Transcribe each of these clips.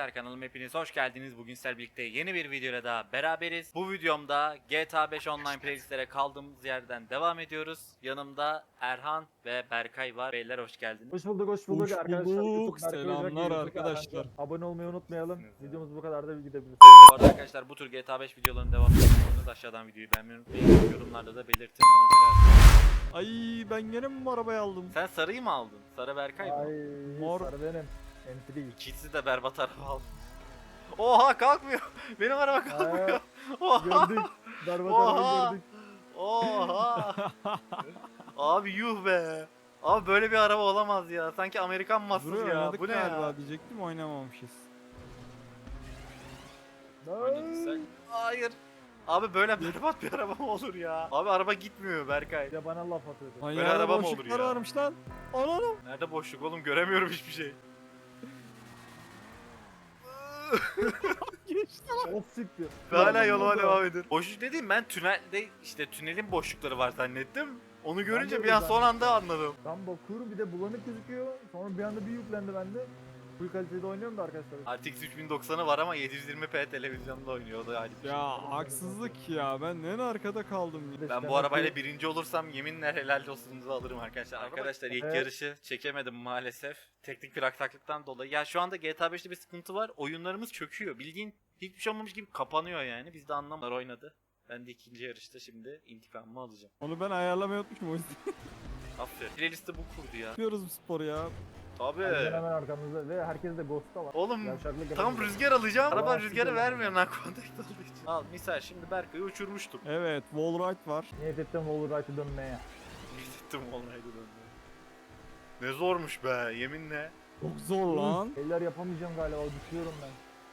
arkadaşlar, kanalıma hepiniz hoş geldiniz. Bugün sizlerle birlikte yeni bir videoyla daha beraberiz. Bu videomda GTA 5 online playlistlere kaldığımız yerden devam ediyoruz. Yanımda Erhan ve Berkay var. Beyler hoş geldiniz. Hoş bulduk, hoş bulduk Hoş arkadaşlar. bulduk. YouTube Berkay Ocak, Selamlar YouTube arkadaşlar. Erhan. Abone olmayı unutmayalım. İyisiniz ya. Videomuz bu kadar da gidebilir. Bu arada arkadaşlar, bu tür GTA 5 videolarının devamını istiyorsanız aşağıdan videoyu beğenmeyi unutmayın. Yorumlarda da belirtin. Ona göre. Ay ben gene mi bu arabayı aldım? Sen sarıyı mı aldın? Sarı Berkay Ay, mı? Mor. sarı benim. Entry. İkisi de berbat araba aldı. Oha, kalkmıyor. Benim araba kalkmıyor. Oha. Gördük. Berbat Oha. arabayı gördük. Oha. Abi yuh be. Abi böyle bir araba olamaz ya. Sanki Amerikan mahsus Buraya ya. oynadık Bu ne galiba ya? diyecektim, oynamamışız. Oynadıysak. Hayır. Abi böyle berbat bir araba mı olur ya? Abi araba gitmiyor Berkay. Bir de bana laf atıyordu. Ay Böyle ya, araba mı boşluklar olur ya? varmış lan. Ananım. Nerede boşluk oğlum? Göremiyorum hiçbir şey. Geçti. Of siktir. Hala yoluma devam edin. Boşluk dediğim, ben tünelde işte tünelin boşlukları var zannettim. Onu görünce de bir an öyle son anda anladım. Ben bakıyorum bir de bulanık gözüküyor. Sonra bir anda bir yüklendi bende. Full kalitede oynuyorum da arkadaşlar. RTX 3090'ı var ama 720p televizyonda oynuyor. O da ayrı bir şey. Ya haksızlık ya, ben en arkada kaldım ya. Bir de Ben demek bu arabayla ki- birinci olursam yeminle helal olsunuzu alırım arkadaşlar. Arkadaşlar ilk Evet. yarışı çekemedim maalesef. Teknik bir aksaklıktan dolayı. Ya şu anda GTA 5'te bir sıkıntı var. Oyunlarımız çöküyor. Bildiğin hiçbir şey olmamış gibi kapanıyor yani. Biz de anlamadılar, oynadı. Ben de ikinci yarışta şimdi intikamımı alacağım. Onu ben ayarlamayı unutmuşum o yüzden. Aferin. Playlisti bu kurdu ya. Yapıyoruz bu sporu ya. Tabii. Hemen hemen arkamızda ve herkes de Ghost'ta var. Oğlum Yavşaklık tam yapamıyor. rüzgar alacağım. Araba Aa, rüzgarı süper. vermiyor lan kontak olduğu için. Al misal şimdi Berkay'ı uçurmuştum. Evet, wallride var. Niyet ettim Wallride'ı dönmeye. Gittim olaydı döndü. Ne zormuş be yeminle. Çok zor lan. Eller yapamayacağım galiba, düşüyorum ben.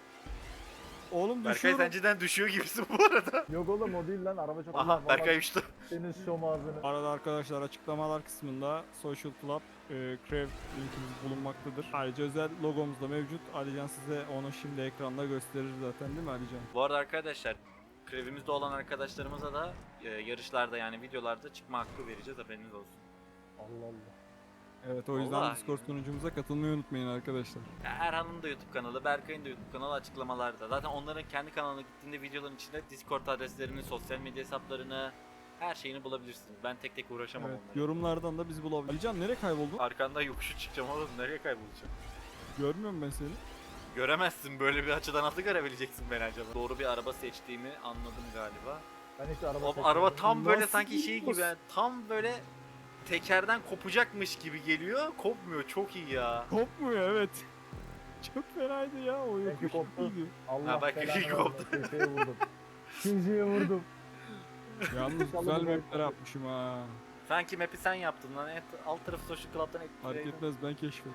Oğlum Berkay düşüyorum. sen cidden düşüyor gibisin bu arada. Yok oğlum o değil lan, araba çok Aha Vallahi Berkay uçtu. senin şom ağzını. Arada arkadaşlar açıklamalar kısmında Social Club Crev linkimiz bulunmaktadır. Ayrıca özel logomuz da mevcut. Alican size onu şimdi ekranda gösterir zaten, değil mi Alican? Bu arada arkadaşlar, krevimizde olan arkadaşlarımıza da yarışlarda yani videolarda çıkma hakkı vereceğiz, haberiniz olsun. Allah Allah. Evet, o yüzden Vallahi Discord ya. sunucumuza katılmayı unutmayın arkadaşlar. Ya Erhan'ın da YouTube kanalı, Berkay'ın da YouTube kanalı açıklamalarda. Zaten onların kendi kanalına gittiğinde videoların içinde Discord adreslerini, sosyal medya hesaplarını, her şeyini bulabilirsiniz. Ben tek tek uğraşamam Evet, onlarla. yorumlardan da bizi bulabilir. Alican nereye kayboldun? Arkanda yokuşu çıkacağım oğlum, nereye kaybolacağım? Görmüyorum ben seni. Göremezsin, böyle bir açıdan nasıl görebileceksin beni acaba? Doğru bir araba seçtiğimi anladım galiba. Ben hiç araba O seçmedim. araba tam böyle Nasıl sanki şey gibi, biliyorsun? yani tam böyle tekerden kopacakmış gibi geliyor. Kopmuyor, çok iyi ya. Kopmuyor, evet. Çok fenaydı ya, o Belki yokuş koptu. iyiydi. Allah Ha, bak, belanı iyi koptu. vermesin, Köşeye vurdum. İkinciye vurdum. Yalnız güzel mapler yapmışım ha. Sanki map'i sen yaptın lan. Alt tarafı Social Club'dan Fark etkiledim. etmez, ben keşfettim.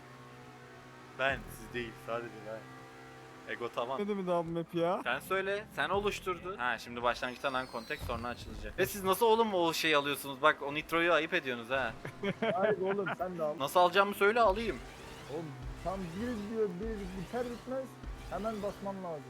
Ben, siz değil, sadece ben. Ego tamam. Ne mi daha bu map ya? Sen söyle, sen oluşturdun. Ha, şimdi başlangıçtan uncontact, sonra açılacak. Ve siz nasıl oğlum o şeyi alıyorsunuz? Bak, o nitroyu ayıp ediyorsunuz ha. Hayır oğlum sen de al. Nasıl alacağımı söyle, alayım. Oğlum tam bir diyor, bir biter bitmez hemen basman lazım.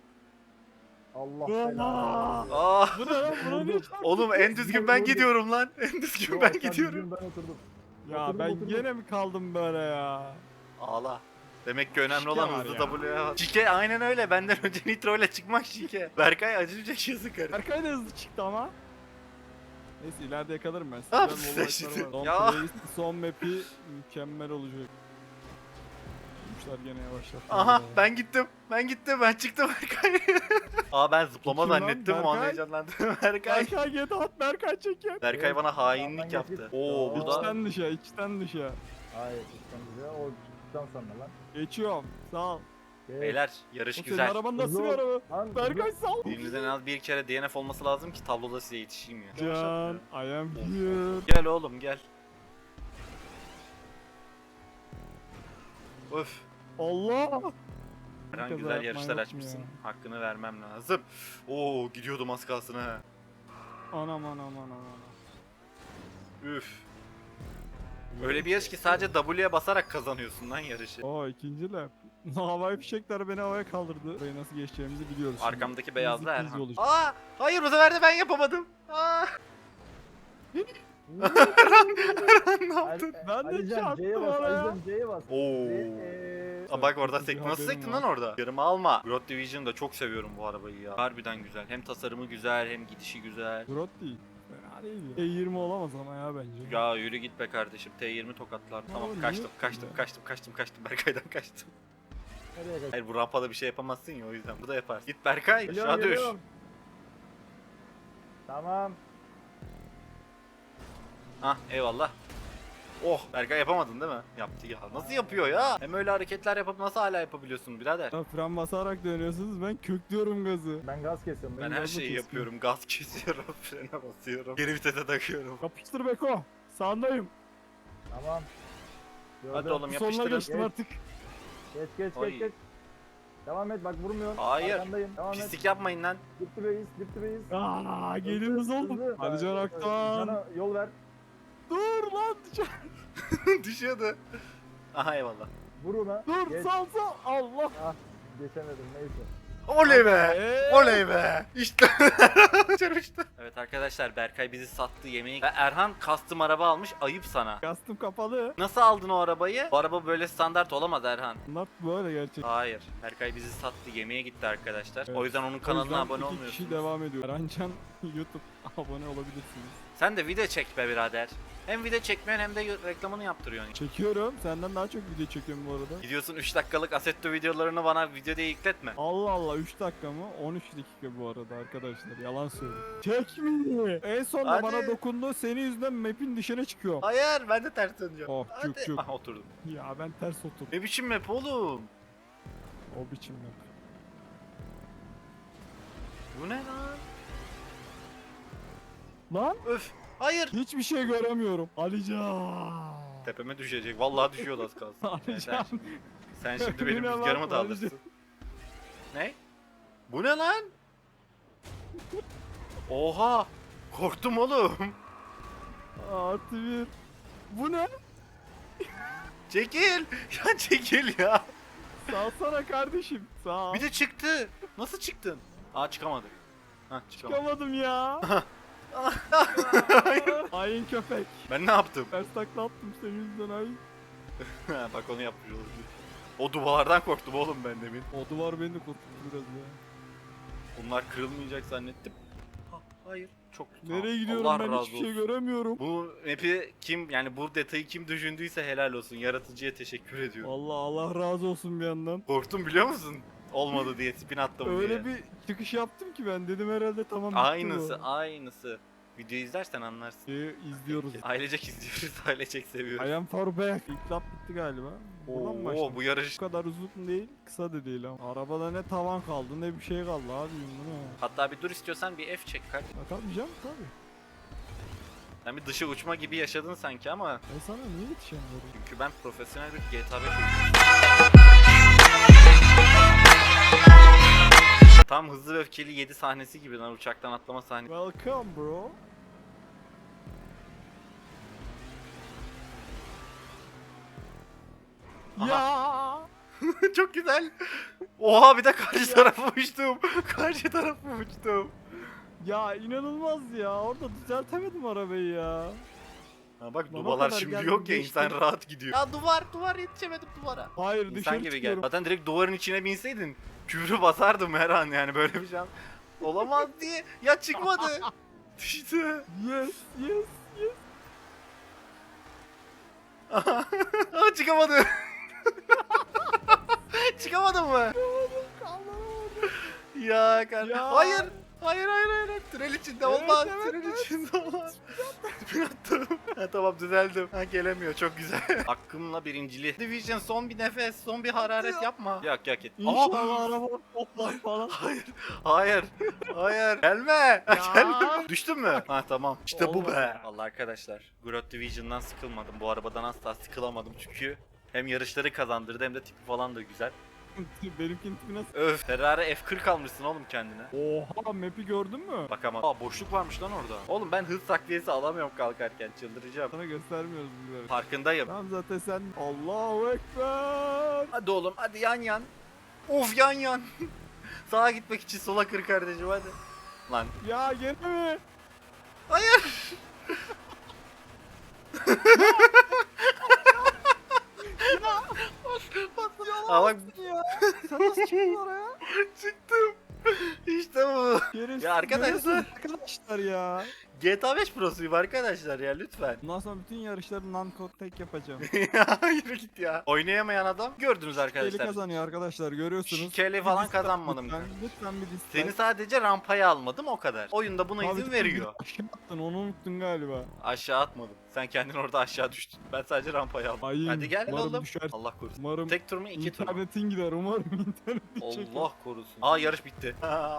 Allah belanı. Aa, Bu ne lan? Buna ne? oğlum en düzgün ben gidiyorum lan. En düzgün ben gidiyorum. Ben oturdum. Ya Oturdum, ben oturdum. gene mi kaldım böyle ya? Ağla. Demek ki önemli Şike olan var hızlı ya. W'ye. Şike aynen öyle. Benden önce nitro ile çıkmak şike. Berkay acımayacak yazık karı. Berkay da hızlı çıktı ama. Neyse ileride yakalarım ben. Ne Güzel yapsın wallride'lar şimdi? var. Son Ya. playlist, son map'i mükemmel olacak. Yapmışlar gene yavaşlar. Aha ben gittim. Ben çıktım Berkay. Aa, ben zıplama Kim lan? zannettim. O an Berkay? heyecanlandım. Berkay. Berkay get at, Berkay çeker. Berkay bana hainlik Yandan yaptı. geçip- Oo, Aa. burada İçten dışa, içten dışa. Hayır işten güzel. O çıktıktan sonra lan. Geçiyorum. Sağ ol. Geç. beyler yarış O senin güzel. araban nasıl bir Hızlı ol. araba? Lan, Berkay sağ ol. Birinizden en az bir kere DNF olması lazım ki tabloda size yetişeyim ya. Can, I am here. Gel oğlum gel. Öf. Allah! Herhangi Kaza güzel yapman yarışlar yok mu açmışsın. ya? Hakkını vermem lazım. Oo, gidiyordum az kalsın ha. Anam. Üf. Öyle bir yarış ki sadece W'ye basarak kazanıyorsun lan yarışı. Oo, ikinci lap. Havai fişekler beni havaya kaldırdı. Burayı nasıl geçeceğimizi biliyoruz şimdi. Arkamdaki beyazlı Easy peasy Erhan. olacak. Aa, hayır bu sefer de ben yapamadım. Aa. Ne yaptın? Ben de Alican çarptım C'ye bas. oraya. Alican C'ye bas. Oo. Aa, bak orada Kötü bir sekti. Nasıl haberim sektin var. lan orada? Yarımı alma. Grot Division'ı da çok seviyorum bu arabayı ya. Harbiden güzel. Hem tasarımı güzel hem gidişi güzel. Grot değil. Fena değil ya. E20 olamaz ama ya bence. Ya yürü git be kardeşim. T20 tokatlar. Tamam niye kaçtım yaptın kaçtım ya? kaçtım. Berkay'dan kaçtım. Nereye kaç? Hayır bu rampada bir şey yapamazsın ya o yüzden. Bu da yaparsın. Git Berkay. Geliyorum, Aşağı düş. geliyorum. Tamam. Hah eyvallah. Oh Berkay yapamadın değil mi? Yaptı ya. Nasıl yapıyor ya? Hem öyle hareketler yapıp nasıl hala yapabiliyorsun birader? Ya fren basarak dönüyorsunuz, ben köklüyorum gazı. Ben gaz kesiyorum. Ben beni her gazla şeyi kesmiyor. yapıyorum. Gaz kesiyorum, frene basıyorum. Geri vitese takıyorum. Yapıştır Beko. Sağındayım. Tamam. Gördüm. Hadi oğlum Sonuna yapıştırın. geçtim Geç. artık. Geç Ay. geç. Devam et bak vurmuyorsun. Hayır. Arkandayım. Devam et. Pislik yapmayın lan. Dip dibeyiz. Dip dibeyiz. Aa, geliyoruz oğlum. Hızlı. Hadi Can Aktan. Cana yol ver. Dur lan. Düşüyordu. Aha eyvallah. Vur ona. Dur Geç. sal sal. Allah. Ah geçemedim neyse. Oley be! Ee? Oley be! İşte çarpıştı. Evet arkadaşlar Berkay bizi sattı yemeği. Ve Erhan custom araba almış. Ayıp sana. Kastım kapalı. Nasıl aldın o arabayı? Bu araba böyle standart olamaz Erhan. Bunlar böyle gerçek. Hayır. Berkay bizi sattı. Yemeğe gitti arkadaşlar. Evet. O yüzden onun O kanalına yüzden abone iki olmuyorsunuz. kişi devam ediyor. Erhancan YouTube abone olabilirsiniz. Sen de video çek be birader. Hem video çekmiyorsun hem de reklamını yaptırıyorsun. Çekiyorum. Senden daha çok video çekiyorum bu arada. Gidiyorsun 3 dakikalık Assetto videolarını bana video diye yükletme. Allah Allah 3 dakika mı? 13 dakika bu arada arkadaşlar. Yalan söylüyorum. Çekmiyor. En son da Hadi. bana dokundu. Senin yüzünden map'in dışına çıkıyorum. Hayır ben de ters döneceğim. Oh, cuk Hadi. cuk. Ah oturdum. Ya ben ters oturdum. Ne biçim map oğlum? O biçim map. Bu ne lan? Lan Öf. Hayır. hiçbir şey göremiyorum. Alican. Tepeme düşecek. Vallahi düşüyordu az kalsın. Yani Alican. sen şimdi benim Bu ne rüzgarımı lan? da alırsın. Ne? Bu ne lan? Oha! Korktum oğlum. Artı bir. Bu ne? Çekil. Ya çekil ya. Salsana kardeşim. Sağ. Bir de çıktı. Nasıl çıktın? Aa çıkamadık. Hah çıkamadık. Çıkamadım ya. Hain köpek. Ben ne yaptım? Ters takla attım senin yüzünden hain. Ha, bak onu yapmış olabilir. O duvardan korktum oğlum ben demin. O duvar beni de korkuttu biraz ya. Bunlar kırılmayacak zannettim. Ha, hayır. Çok Nereye gidiyorum Allah ben razı hiçbir şey olsun. göremiyorum. Bu map'i kim yani bu detayı kim düşündüyse helal olsun. Yaratıcıya teşekkür ediyorum. Vallahi Allah razı olsun bir yandan. Korktum biliyor musun? Olmadı diye spin attım Öyle diye. bir çıkış yaptım ki ben dedim herhalde tamam bitti Aynısı bu. aynısı. Videoyu izlersen anlarsın. İzliyoruz. Ailecek izliyoruz, ailecek seviyoruz. I am for back. İlk lap bitti galiba. Buradan mı Oo başladık? bu yarış. Bu kadar uzun değil, kısa da değil ama. Arabada ne tavan kaldı ne bir şey kaldı abi bu ne? Hatta bir dur istiyorsan bir F çek kardeşim. Ya tabii canım tabii. Sen bir dışı uçma gibi yaşadın sanki ama Ben sana niye yetişemiyorum? çünkü ben profesyonel bir GTA 5 Tam Hızlı ve Öfkeli 7 sahnesi gibi lan uçaktan atlama sahnesi. Welcome bro. Aha. Ya. Çok güzel. Oha bir de karşı tarafa uçtum. Karşı tarafa uçtum. Ya inanılmaz ya. Orada düzeltemedim arabayı ya. Ha bak Lan o duvarlar kadar şimdi geldim, yok ya geçtim. insan rahat gidiyor. Ya duvar yetişemedim duvara. Hayır İnsan dışarı gibi gel. çıkıyorum. Zaten direkt duvarın içine binseydin küfrü basardım her an yani böyle bir şey olamaz diye. Ya çıkmadı. Düştü. Yes yes yes. Aa, çıkamadı. Çıkamadın mı? Ya kardeşim. Ya. Hayır. Hayır. Tünel içinde Evet, olmaz. evet, Tünel evet. içinde olmaz. Spin attım. Ha, tamam düzeldim. Ha gelemiyor çok güzel. Hakkımla birinciliği. Division son bir nefes, son bir hararet yapma. Yok et. İnşallah araba toplar falan. Hayır. Gelme. Ya. Gelme. Düştün mü? Ha tamam. İşte bu Olmadı. be. Vallahi arkadaşlar, Growth Division'dan sıkılmadım. Bu arabadan asla sıkılamadım çünkü hem yarışları kazandırdı hem de tipi falan da güzel. Benimkinin tipi nasıl? Öf. Ferrari F40 almışsın oğlum kendine. Oha map'i gördün mü? Bakamam. Aa boşluk varmış lan orada. Oğlum ben hız takviyesi alamıyorum kalkarken çıldıracağım. Sana göstermiyoruz bizleri. Farkındayım. Tamam zaten sen Allahu Ekber. Hadi oğlum hadi yan. Of yan. Sağa gitmek için sola kır kardeşim hadi. Lan. Ya gene mi? Hayır. Aa bak Ya sen nasıl çıktın oraya? çıktım. İşte bu. Şerefsiz, Ya arkadaşlar. görüyorsunuz arkadaşlar ya. GTA 5 Pro'suyum arkadaşlar ya lütfen. Bundan sonra bütün yarışları non-code tek yapacağım. Ya yürü git ya. Oynayamayan adam gördünüz Eli arkadaşlar. kazanıyor arkadaşlar, görüyorsunuz. Şikeli Bir falan dislike kazanmadım. Lütfen bir dislike. Seni sadece rampaya almadım o kadar. Oyunda buna Abi izin sen veriyor. bir aşağı attın, onu unuttun galiba. Aşağı atmadım. Sen kendin orada aşağı düştün. Ben sadece rampaya aldım. Ayın, Hadi gel umarım oğlum. düşer. Allah korusun. Umarım Tek tur mu iki tur mu? internetin gider, umarım internetin çeker. Allah korusun. Aa yarış bitti.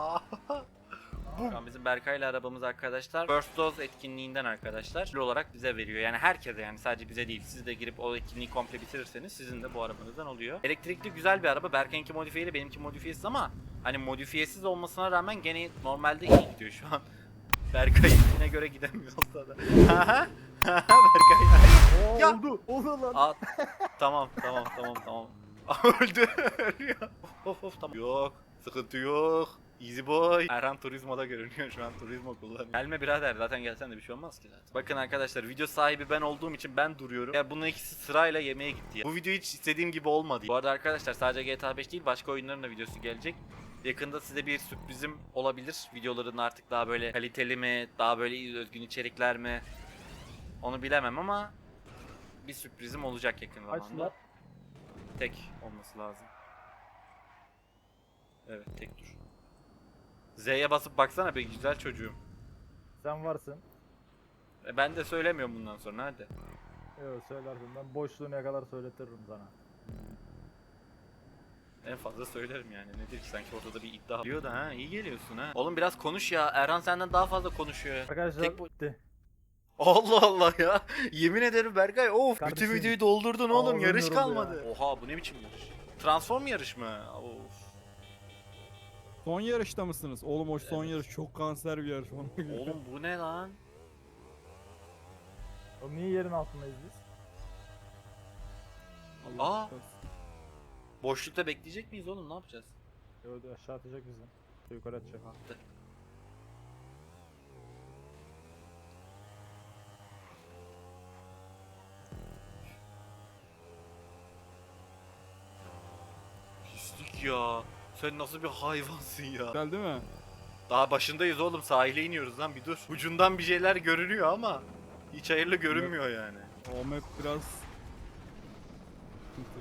Şu an bizim Berkay ile arabamız arkadaşlar First Dose etkinliğinden arkadaşlar ödül olarak bize veriyor. Yani herkese, yani sadece bize değil. Siz de girip o etkinliği komple bitirirseniz sizin de bu arabanızdan oluyor. Elektrikli güzel bir araba. Berkay'ınki modifiyeli, benimki modifiyesiz ama hani modifiyesiz olmasına rağmen gene normalde iyi gidiyor şu an. Berkay'ınkine göre gidemiyor olsa da. Berkay. Oo, Ya. oldu lan. Aa, tamam. Öldü. Ölüyor. Of tamam. Yok. Sıkıntı yok. Easy boy. Erhan Turizmo'da görünüyor şu an, Turizmo kullanıyor. Gelme birader, zaten gelsen de bir şey olmaz ki zaten. Bakın arkadaşlar, video sahibi ben olduğum için ben duruyorum. Ya bunun ikisi sırayla yemeğe gitti ya. Bu video hiç istediğim gibi olmadı. Bu arada arkadaşlar sadece GTA 5 değil, başka oyunların da videosu gelecek. Yakında size bir sürprizim olabilir. Videoların artık daha böyle kaliteli mi, daha böyle özgün içerikler mi? Onu bilemem ama bir sürprizim olacak yakın zamanda. Açlar. Tek olması lazım. Evet, tek dur. Z'ye basıp baksana be güzel çocuğum. Sen varsın. Ben de söylemiyorum bundan sonra, hadi. Yok söylersin, ben boşluğuna kadar söyletiririm sana. En fazla söylerim yani, nedir ki sanki ortada bir iddia. Diyor da ha, iyi geliyorsun ha. Oğlum biraz konuş ya, Erhan senden daha fazla konuşuyor ya. Arkadaşlar Tek bu- bitti. Allah Allah ya. Yemin ederim Berkay, of Kardeşim, bütün videoyu doldurdun oğlum, ağzım yarış yoruldu kalmadı. Oha, bu ne biçim yarış? Transform yarış mı? Of. Son yarışta mısınız? Oğlum o son Evet. yarış çok kanser bir yarış. Ona göre. Oğlum bu ne lan? Oğlum niye yerin altındayız biz? Allah Aa. kahretsin. Boşlukta bekleyecek miyiz oğlum, ne yapacağız? Yok aşağı atacak bizi. Yukarı atacak. Attı. Pislik ya. Sen nasıl bir hayvansın ya. Güzel değil mi? Daha başındayız oğlum, sahile iniyoruz lan, bir dur. Ucundan bir şeyler görünüyor ama hiç hayırlı görünmüyor yani. O map biraz sıkıntı.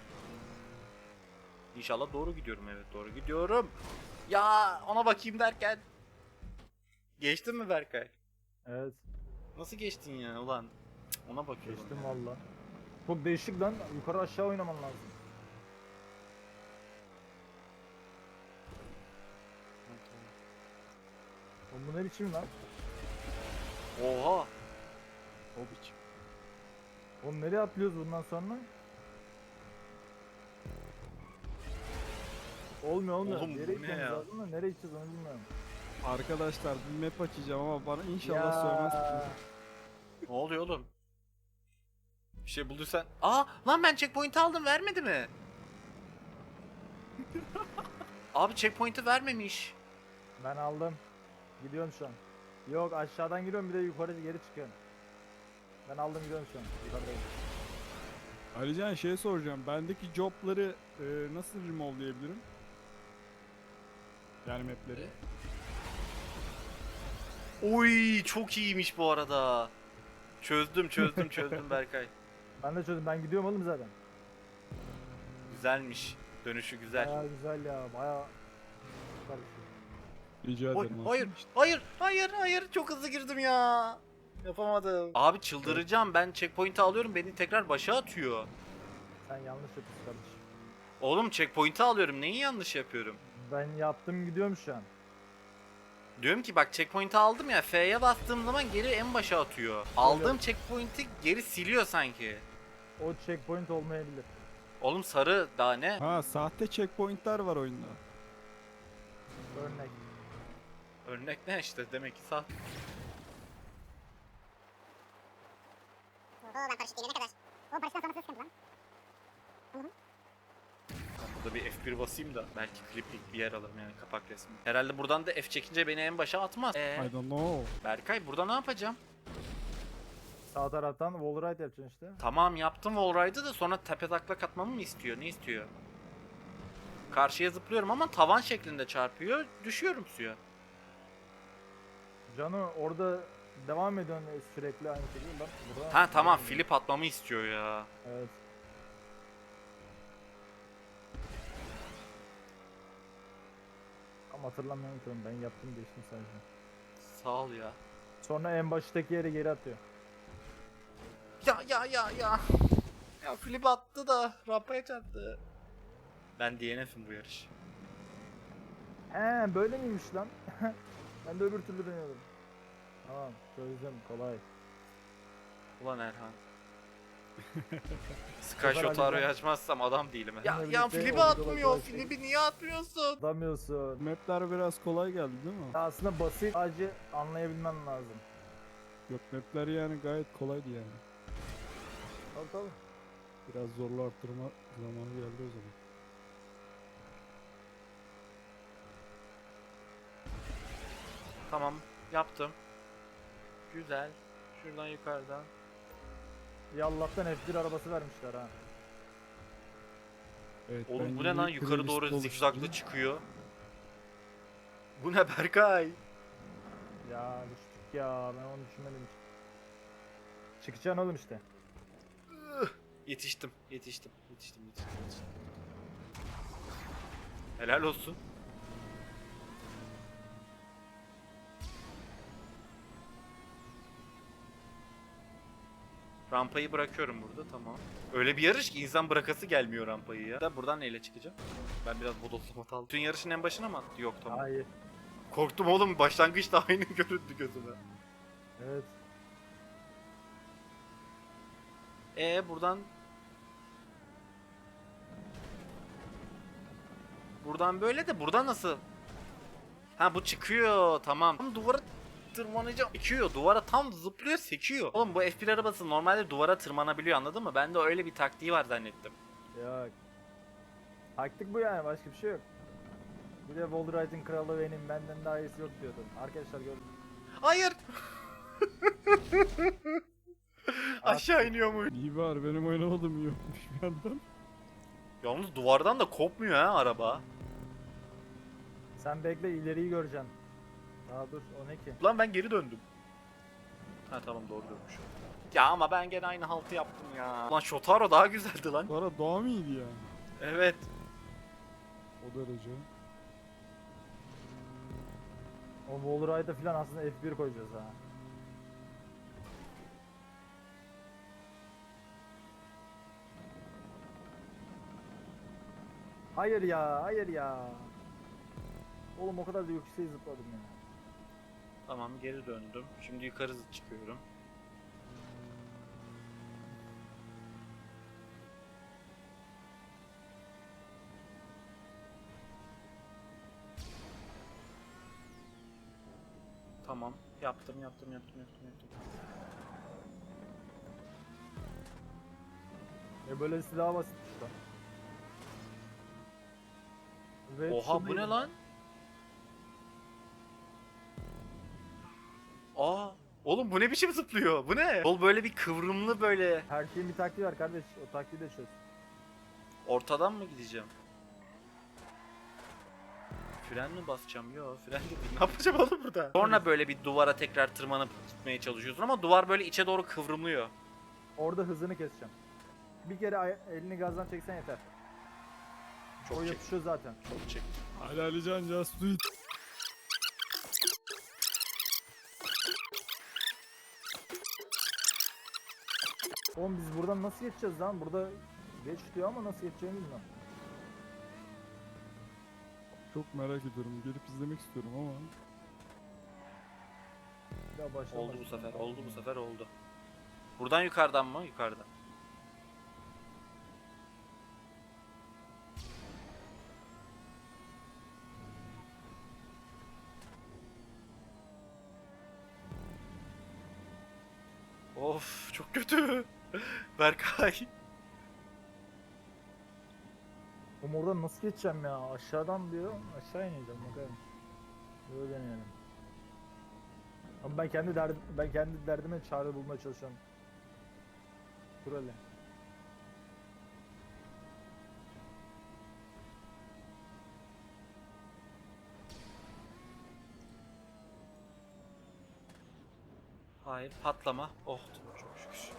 İnşallah doğru gidiyorum, evet doğru gidiyorum. Ya ona bakayım derken. Geçtin mi Berkay? Evet, Nasıl geçtin ya ulan? Cık, ona bakıyorum. geçtim valla. Çok değişik lan, yukarı aşağı oynaman lazım. Oğlum bu ne biçim lan? Oha. O biçim. Oğlum nereye atlıyoruz bundan sonra? Olmuyor. Oğlum bu Nereye ne gideceğiz ya? lazım da nereye gideceğiz onu bilmiyorum. Arkadaşlar bir map açacağım ama bana inşallah söylemezsiniz. Ne oluyor oğlum? Bir şey bulduysan. Aa lan, ben checkpoint aldım, vermedi mi? Abi checkpoint'i vermemiş. Ben aldım. Gidiyorum şu an. Yok aşağıdan giriyorum, bir de yukarı geri çıkıyorum. Ben aldım, gidiyorum şu an. Yukarıdayım. Ayrıca şey soracağım. Bendeki jobları nasıl remove'layabilirim? Yani mapleri. Oy çok iyiymiş bu arada. Çözdüm Berkay. Ben de çözdüm, ben gidiyorum oğlum zaten. Güzelmiş. Dönüşü güzel. Baya güzel ya, baya süper bir şey. Rica Oy, ederim. hayır çok hızlı girdim ya. Yapamadım. Abi çıldıracağım, ben checkpoint'i alıyorum, beni tekrar başa atıyor. Sen yanlış yapıyorsun kardeşim. Oğlum checkpoint'i alıyorum, neyi yanlış yapıyorum? Ben yaptım, gidiyorum şu an. Diyorum ki bak, checkpoint'i aldım ya, F'ye bastığım zaman geri en başa atıyor. Aldığım checkpoint'i geri siliyor sanki. O checkpoint olmayabilir. Oğlum sarı daha ne? Ha, sahte checkpointler var oyunda. Örnek. Örnek ne işte, demek ki sağ. Oho ben paraşüt gelene kadar. O paraşütten sonrası sıkıntı lan. Burada bir F1 basayım da belki kliplik bir yer alırım, yani kapak resmi. Herhalde buradan da F çekince beni en başa atmaz. I don't know. Berkay burada ne yapacağım? Sağ taraftan wall ride yapacaksın işte. Tamam yaptım wallride'ı da sonra tepe taklak atmamı mı istiyor? Ne istiyor? Karşıya zıplıyorum ama tavan şeklinde çarpıyor. Düşüyorum suya. Cano orada devam ediyorsun sürekli aynı şekilde. Bak burada. Ha tamam flip atmamı istiyor ya. Evet. Ama hatırlamıyorum ki onu, ben yaptım geçtim sadece. Sağ ol ya. Sonra en baştaki yere geri atıyor. Ya. Ya flip attı da rampaya çarptı. Ben DNF'im bu yarış. He böyle miymiş lan? Ben de öbür türlü dönüyordum. Tamam çözdüm, kolay. Ulan Erhan. Sky Shotaro'yu açmazsam adam değilim. Ya birlikte flip'i oyuncu atmıyor. olarak Flip'i niye atmıyorsun? Atamıyorsun. Mapler biraz kolay geldi değil mi? Aslında basit, sadece anlayabilmen lazım. Yok mapler yani gayet kolaydı yani. Tabii tabii. Biraz zorlu arttırma zamanı geldi o zaman. Tamam yaptım. Güzel. Şuradan yukarıdan. Ya Allah'tan F1 arabası vermişler ha. Evet, Oğlum ben bu ne yeni lan yukarı playlist doğru oluşturdum. zigzaglı çıkıyor. Bu ne Berkay? Ya düştük ya, ben onu düşünmedim hiç. Çıkacaksın oğlum işte. Yetiştim. Helal olsun. Rampayı bırakıyorum burada tamam. Öyle bir yarış ki insan bırakası gelmiyor rampayı ya. Da buradan neyle çıkacağım? Ben biraz bodoslama aldım. Tüm yarışın en başına mı attı? Yok tamam. Hayır. Korktum oğlum başlangıçta aynı göründü gözüme. Evet. Buradan... Buradan böyle de buradan nasıl? Ha bu çıkıyor tamam. Tam duvara tırmanacağım. Sekiyor duvara tam zıplıyor sekiyor. Oğlum bu F1 arabası normalde duvara tırmanabiliyor anladın mı? Ben de öyle bir taktiği var zannettim. Yok. Taktik bu yani, başka bir şey yok. Bir de wall ride'in kralı benim, benden daha iyisi yok diyordun. Arkadaşlar gördüm. Hayır. Aşağı iniyor mu? İyi var benim oynamadığım iyi olmuş bir yandan. Yalnız duvardan da kopmuyor ha araba. Sen bekle, ileriyi göreceksin. Daha dur, o ne ki? Lan ben geri döndüm. Ha tamam doğru dönmüşüm. Ya ama ben gene aynı haltı yaptım ya. Lan Shotaro daha güzeldi lan. Sonra doğa mıydı yani? Evet. O derece. O wall ride'a falan aslında F1 koyacağız ha. Hayır ya, hayır ya. Oğlum o kadar da yükseğe zıpladım ya. Tamam geri döndüm. Şimdi yukarı çıkıyorum. Tamam. Yaptım. Böylesi daha basit işte. Ve Oha şu bu ne değil. lan? Aa, oğlum bu ne biçim zıplıyor? Bu ne? Yol böyle bir kıvrımlı böyle. Her şeyin bir taktiği var kardeş. O taktiği de çöz. Ortadan mı gideceğim? Fren mi basacağım? Yo fren de değil. Ne yapacağım oğlum burada? Sonra böyle bir duvara tekrar tırmanıp gitmeye çalışıyorsun ama duvar böyle içe doğru kıvrımlıyor. Orada hızını keseceğim. Bir kere elini gazdan çeksen yeter. Çok O çek. yapışıyor zaten. Çok çek. Ali Alican just do it. Oğlum biz buradan nasıl geçeceğiz lan? Burada geç diyor ama nasıl geçeceğini bilmiyorum. Çok merak ediyorum. Gelip izlemek istiyorum ama. Bir daha baştan Oldu bu başlayalım. sefer. Oldu bu sefer oldu. Buradan yukarıdan mı? Yukarıdan. Of çok kötü. Berkay. Oğlum oradan nasıl geçeceğim ya? Aşağıdan diyor. Aşağı ineceğim bakalım. Böyle deneyelim. Ama ben kendi derdime çare bulmaya çalışıyorum. Dur hele. Hayır patlama. Oh çok şükür.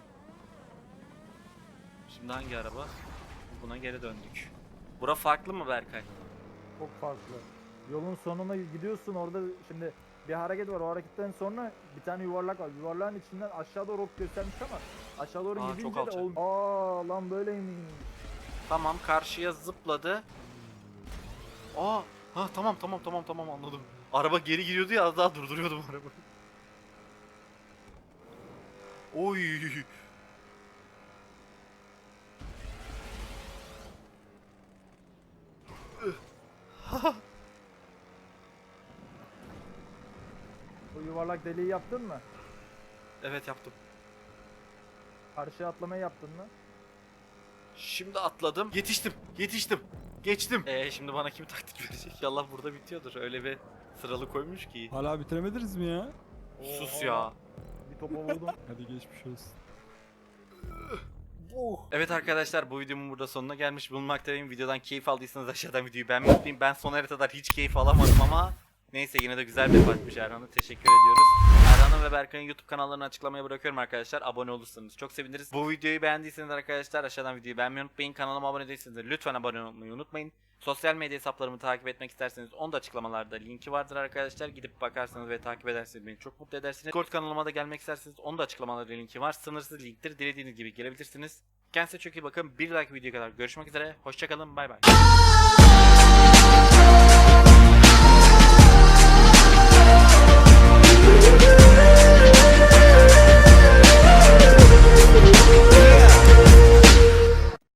Şimdi hangi araba? Buna geri döndük. Bura farklı mı Berkay? Çok farklı. Yolun sonuna gidiyorsun, orada şimdi bir hareket var. O hareketten sonra bir tane yuvarlak var. Yuvarlağın içinden aşağı doğru ok göstermiş ama aşağı doğru Aa, çok gidince de alçak. Aa lan böyleymiş. Tamam karşıya zıpladı. Aa, ha tamam anladım. Araba geri gidiyordu ya az daha durduruyordum arabayı. Oy. O yuvarlak deliği yaptın mı? Evet yaptım. Karşıya atlamayı yaptın mı? Şimdi atladım. Yetiştim. Geçtim. Şimdi bana kim taktik verecek? İnşallah burada bitiyordur. Öyle bir sıralı koymuş ki. Hala bitiremediniz mi ya? Sus ya. Bir topa vurdum. Hadi geçmiş olsun. Evet arkadaşlar bu videomun burada sonuna gelmiş bulunmaktayım. Videodan keyif aldıysanız aşağıdan videoyu beğenmeyi unutmayın. Ben son haritalar hiç keyif alamadım ama neyse yine de güzel bir fightmış Erhan'a. Teşekkür ediyoruz. Erhan'ın ve Berkay'ın YouTube kanallarını açıklamaya bırakıyorum arkadaşlar. Abone olursanız çok seviniriz. Bu videoyu beğendiyseniz arkadaşlar aşağıdan videoyu beğenmeyi unutmayın. Kanalıma abone değilseniz de lütfen abone olmayı unutmayın. Sosyal medya hesaplarımı takip etmek isterseniz onu da açıklamalarda linki vardır arkadaşlar. Gidip bakarsanız ve takip ederseniz beni çok mutlu edersiniz. Discord kanalıma da gelmek isterseniz onu da açıklamalarda linki var. Sınırsız linktir. Dilediğiniz gibi gelebilirsiniz. Kendinize çok iyi bakın. Bir dahaki videoya kadar görüşmek üzere. Hoşçakalın. Bay bay.